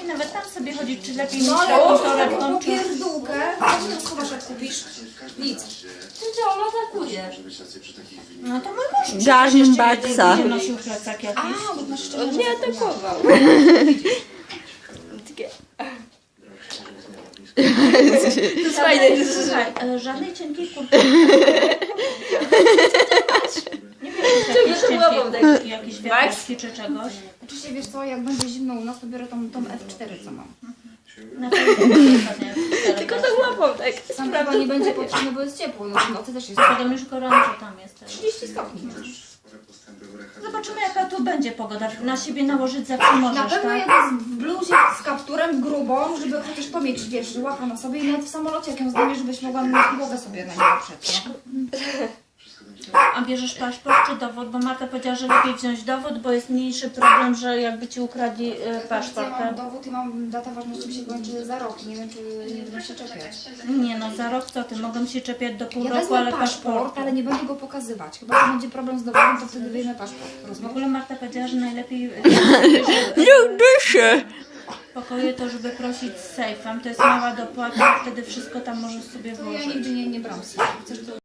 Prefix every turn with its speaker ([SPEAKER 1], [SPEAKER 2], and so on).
[SPEAKER 1] nawet tam sobie chodzić, czy lepiej
[SPEAKER 2] No
[SPEAKER 1] niż
[SPEAKER 2] ale
[SPEAKER 1] taką
[SPEAKER 2] taką
[SPEAKER 1] torebką, czy...
[SPEAKER 2] popierdółkę, co ty tam schowasz jak kupisz? Nic.
[SPEAKER 3] Ty ona atakuje.
[SPEAKER 1] No to mój mąż
[SPEAKER 4] Gambasa.
[SPEAKER 1] będzie nosił plecak jakiś.
[SPEAKER 2] A, bo masz jeszcze
[SPEAKER 3] On mnie atakował. To jest fajne.
[SPEAKER 1] Słuchaj, żadnej cienkiej kurtki. Nie wiem, czy
[SPEAKER 3] Czemu
[SPEAKER 1] jakieś
[SPEAKER 3] głową
[SPEAKER 1] cienkie
[SPEAKER 3] tak?
[SPEAKER 1] kurtki, jakieś wiatrówki czy czegoś.
[SPEAKER 2] Oczywiście wiesz co, jak będzie zimno u nas, to biorę tą F4, co mam.
[SPEAKER 1] Na pewno
[SPEAKER 3] Tylko to łapą tak.
[SPEAKER 2] Tam chyba nie będzie potrzebne, bo jest ciepło. No, w nocy też jest
[SPEAKER 1] Potem już gorąco tam jest.
[SPEAKER 2] 30 stopni.
[SPEAKER 1] Zobaczymy, jaka tu będzie pogoda. Na siebie nałożyć zawsze możesz,
[SPEAKER 2] Na pewno
[SPEAKER 1] tak?
[SPEAKER 2] jadę w bluzie z kapturem grubą, żeby chociaż to mieć, wiesz, łapa na sobie i nawet w samolocie jak ją zdejmiesz, żebyś mogła mieć głowę sobie na nią oprzeć.
[SPEAKER 1] A bierzesz paszport czy dowód? Bo Marta powiedziała, że lepiej wziąć dowód, bo jest mniejszy problem, że jakby ci ukradli paszport.
[SPEAKER 2] Ja mam dowód i mam data ważności mi się kończy za rok. Nie wiem, czy nie będę się czepiać.
[SPEAKER 1] Nie no, za rok co ty? Mogą się czepiać do pół
[SPEAKER 2] Ja
[SPEAKER 1] roku,
[SPEAKER 2] wezmę
[SPEAKER 1] ale
[SPEAKER 2] paszport,
[SPEAKER 1] paszportu.
[SPEAKER 2] ale nie będę go pokazywać. Chyba, że będzie problem z dowodem, to wtedy wyjmę paszport.
[SPEAKER 1] W
[SPEAKER 2] Rozumiesz?
[SPEAKER 1] ogóle Marta powiedziała, że najlepiej
[SPEAKER 4] Dyszy.
[SPEAKER 1] pokoje to, żeby prosić z sejfem. To jest mała dopłata, wtedy wszystko tam możesz sobie
[SPEAKER 2] To ja
[SPEAKER 1] włożyć.
[SPEAKER 2] nigdy nie brałam. Chcesz to